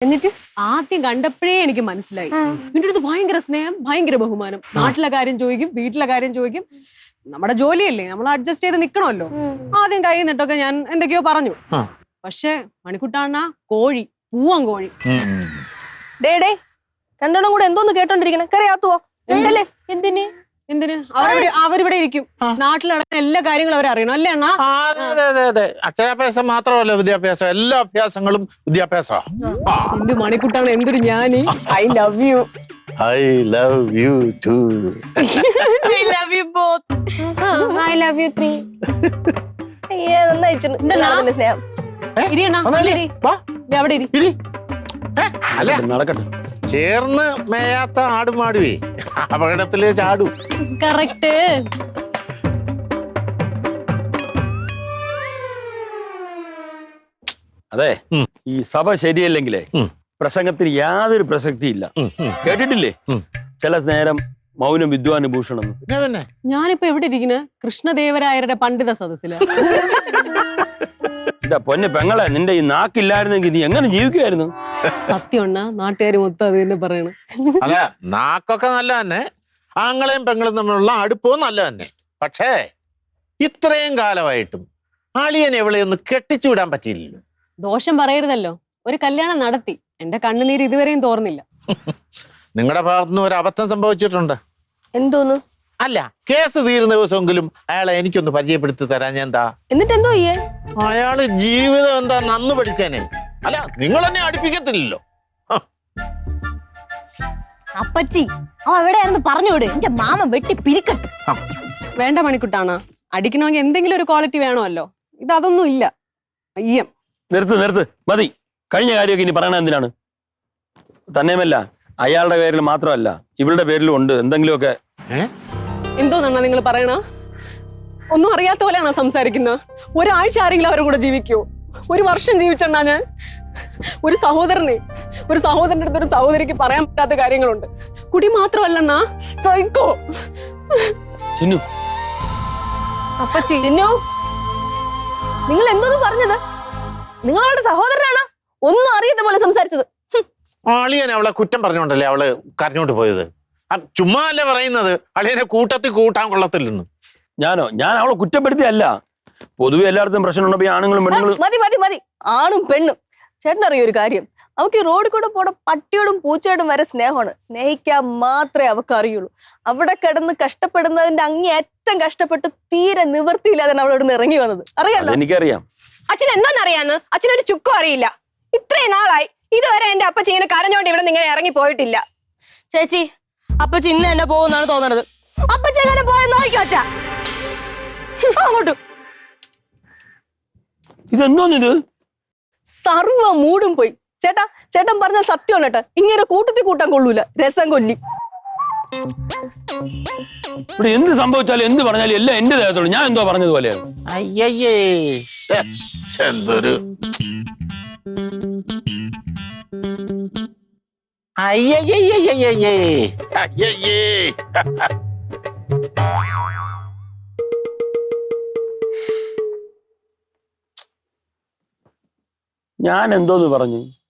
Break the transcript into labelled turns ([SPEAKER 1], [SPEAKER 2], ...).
[SPEAKER 1] എന്നിട്ട്
[SPEAKER 2] ആദ്യം കണ്ടപ്പോഴേ എനിക്ക് മനസ്സിലായി നിന്റെ അടുത്ത് ഭയങ്കര സ്നേഹം, ഭയങ്കര ബഹുമാനം. നാട്ടിലെ കാര്യം ചോദിക്കും, വീട്ടിലെ കാര്യം ചോദിക്കും. നമ്മുടെ ജോലിയല്ലേ, നമ്മൾ അഡ്ജസ്റ്റ് ചെയ്ത് നിക്കണമല്ലോ. ആദ്യം കൈ നിട്ടൊക്കെ ഞാൻ എന്തൊക്കെയോ പറഞ്ഞു. പക്ഷെ മണിക്കുട്ടാണ കോഴി, പൂവൻ കോഴി.
[SPEAKER 1] ഡേ രണ്ടെണ്ണം കൂടെ എന്തോന്ന് കേട്ടോണ്ടിരിക്കണേ? കറിയാത്തുവോ? എന്തിന്
[SPEAKER 2] എന്തിന്? അവരിവിടെ ഇരിക്കും. നാട്ടിൽ നടക്കുന്ന എല്ലാ കാര്യങ്ങളും അവരറിയണം അല്ലേ അണ്ണാ?
[SPEAKER 3] അതെ. അക്ഷരാഭ്യാസം മാത്രമല്ല വിദ്യാഭ്യാസം, എല്ലാ അഭ്യാസങ്ങളും വിദ്യാഭ്യാസമാണ്.
[SPEAKER 2] എന്റെ മണിക്കുട്ടാണ് എന്തൊരു ഞാന്. I love you.
[SPEAKER 3] I love you too.
[SPEAKER 2] I love you both.
[SPEAKER 1] I love you 3. നന്നായി സ്നേഹം.
[SPEAKER 2] ഇരി അണ്ണാ, ഇരി. അവിടെ ഇരി.
[SPEAKER 3] അല്ല
[SPEAKER 4] നടക്കട്ടെ.
[SPEAKER 3] ചേർന്ന് മേയാത്ത ആടുമാടുവേ അപകടത്തില് ചാടു.
[SPEAKER 2] കറക്റ്റ്.
[SPEAKER 4] അതെ, ഈ സഭ ശരിയല്ലെങ്കിലേ പ്രസംഗത്തിന് യാതൊരു പ്രസക്തിയില്ല. കേട്ടിട്ടില്ലേ ചില നേരം മൗനം വിദ്വാൻ ഭൂഷണം?
[SPEAKER 2] ഞാനിപ്പോ എവിടെ ഇരിക്കുന്ന? കൃഷ്ണദേവരായരുടെ പണ്ഡിത സദസ്സില്.
[SPEAKER 4] പൊന്നെ പെങ്ങളെ, നിന്റെ ഈ നാക്കില്ലായിരുന്നെങ്കിൽ നീ എങ്ങനെ ജീവിക്കുമായിരുന്നു?
[SPEAKER 2] സത്യം അണ്ണാ, നാട്ടുകാർ മൊത്തം അത് തന്നെ പറയണം.
[SPEAKER 3] അല്ല, നാക്കൊക്കെ നല്ല തന്നെ, ആങ്ങളെയും പെങ്ങളും തമ്മിലുള്ള അടുപ്പവും നല്ല തന്നെ. പക്ഷേ ഇത്രയും കാലമായിട്ടും അളിയൻ എവിടെയൊന്നും കെട്ടിച്ചു വിടാൻ പറ്റിയില്ലല്ലോ.
[SPEAKER 2] ദോഷം പറയരുതല്ലോ, ഒരു കല്യാണം നടത്തി. എന്റെ കണ്ണുനീര് ഇതുവരെയും തോർന്നില്ല.
[SPEAKER 3] നിങ്ങളുടെ ഭാഗത്തുനിന്ന് ഒരു അബദ്ധം സംഭവിച്ചിട്ടുണ്ട്.
[SPEAKER 1] എന്തോന്നു?
[SPEAKER 3] അല്ല, കേസ് തീരുന്ന ദിവസമെങ്കിലും അയാളെ എനിക്കൊന്ന് പരിചയപ്പെടുത്തി തരാൻ ഞാൻ എന്താ?
[SPEAKER 1] എന്നിട്ട് എന്തോ ചെയ്യേ?
[SPEAKER 3] അയാള് ജീവിതം എന്താ നന്ന് പഠിച്ചേനെ. അല്ല, നിങ്ങൾ എന്നെ അടുപ്പിക്കത്തില്ലല്ലോ.
[SPEAKER 1] അപ്പച്ചി അവ എവിടെയാണെന്ന് പറഞ്ഞുവിട്, എന്റെ മാമ വെട്ടി പിരിക്കട്ടെ.
[SPEAKER 2] വേണ്ട മണിക്കുട്ടാണ്, അടിക്കണമെങ്കിൽ എന്തെങ്കിലും ഒരു ക്വാളിറ്റി വേണമല്ലോ. ഇതൊന്നും ഇല്ല. അയ്യം,
[SPEAKER 4] നിർത്ത് മതി. കഴിഞ്ഞ കാര്യമൊക്കെ ഇനി പറയണ എന്തിനാണ്? തന്നെയുമല്ല, അയാളുടെ പേരിൽ മാത്രമല്ല ഇവളുടെ പേരിലും ഉണ്ട് എന്തെങ്കിലുമൊക്കെ.
[SPEAKER 2] എന്തോന്നാ നിങ്ങൾ പറയണ? ഒന്നും അറിയാത്ത പോലെയാണോ സംസാരിക്കുന്നത്? ഒരാഴ്ച ആരെങ്കിലും അവരുടെ കൂടെ ജീവിക്കുവോ? ഒരു വർഷം ജീവിച്ചെണ്ണാ ഞാൻ. ഒരു സഹോദരന്റെ അടുത്ത് ഒരു സഹോദരിക്ക് പറയാൻ പറ്റാത്ത കാര്യങ്ങളുണ്ട്. കുടി മാത്രമല്ലണ്ണാ, സൈക്കോ.
[SPEAKER 4] ചിന്നു,
[SPEAKER 1] അപ്പച്ചി, ചിന്നു, നിങ്ങൾ എന്തോന്ന് പറഞ്ഞത്? നിങ്ങളവളുടെ സഹോദരനാണ്, ഒന്നും അറിയാത്ത പോലെ സംസാരിച്ചത്.
[SPEAKER 3] അളിയൻ അവളെ കുറ്റം പറഞ്ഞോണ്ടല്ലേ അവള് കരഞ്ഞോണ്ട് പോയത്. ചുമ്മാ അല്ലേ പറയുന്നത് അളിയനെ കൂട്ടത്തിൽ കൂട്ടാൻ കൊള്ളത്തില്ലെന്ന്.
[SPEAKER 4] ഞാൻ അവളെ കുറ്റപ്പെടുത്തിയല്ല. പൊതുവെ എല്ലായിടത്തും പ്രശ്നമുണ്ടപ്പോ ആണുങ്ങളും പെണ്ണുങ്ങളും.
[SPEAKER 1] മതി. ആണും പെണ്ണും. ചേട്ടനറിയോ ഒരു കാര്യം? അവക്ക് ഈ റോഡിൽ കൂടെ പോണ പട്ടിയോടും പൂച്ചയോടും വരെ സ്നേഹമാണ്. സ്നേഹിക്കാൻ മാത്രമേ അവക്ക് അറിയുള്ളൂ. അവിടെ കിടന്ന് കഷ്ടപ്പെടുന്നതിന്റെ അങ്ങേയറ്റം കഷ്ടപ്പെട്ട് തീരെ നിവൃത്തിയില്ലാതെ അവളോട് ഇറങ്ങി വന്നത്. അറിയാലോ?
[SPEAKER 4] എനിക്കറിയാം.
[SPEAKER 5] അച്ഛൻ എന്താണെന്നറിയാന്ന് അച്ഛനൊരു ചുക്കും അറിയില്ല. ഇത്രയും നാളായി ഇതുവരെ എന്റെ അപ്പച്ചി ഇങ്ങനെ കരഞ്ഞോണ്ട് ഇവിടെ ഇങ്ങനെ ഇറങ്ങി പോയിട്ടില്ല.
[SPEAKER 1] ചേച്ചി, അപ്പച്ചി ഇന്ന് എന്നെ പോകുന്നാണ് തോന്നണത്. അപ്പച്ചി എങ്ങനെ പോയെന്ന് നോക്കിക്കോ അച്ഛാ. അങ്ങോട്ട്
[SPEAKER 4] ഇതെന്തോന്നിത്?
[SPEAKER 1] സർവ്വ മൂടും പോയി. ചേട്ടൻ പറഞ്ഞ സത്യമാണ് കേട്ടോ. ഇങ്ങനെ കൂട്ടത്തിൽ കൂട്ടാൻ കൊള്ളൂല, രസം കൊല്ലി.
[SPEAKER 4] ഇവിടെ എന്ത് സംഭവിച്ചാലും എന്ത് പറഞ്ഞാലും എല്ലാം എന്റെ ദേഹത്തോട് ഞാൻ എന്തോ പറഞ്ഞതുപോലെയാണ്.
[SPEAKER 3] അയ്യയ്യേ, എന്തൊരു
[SPEAKER 4] ഞാൻ എന്തോന്ന് പറഞ്ഞു?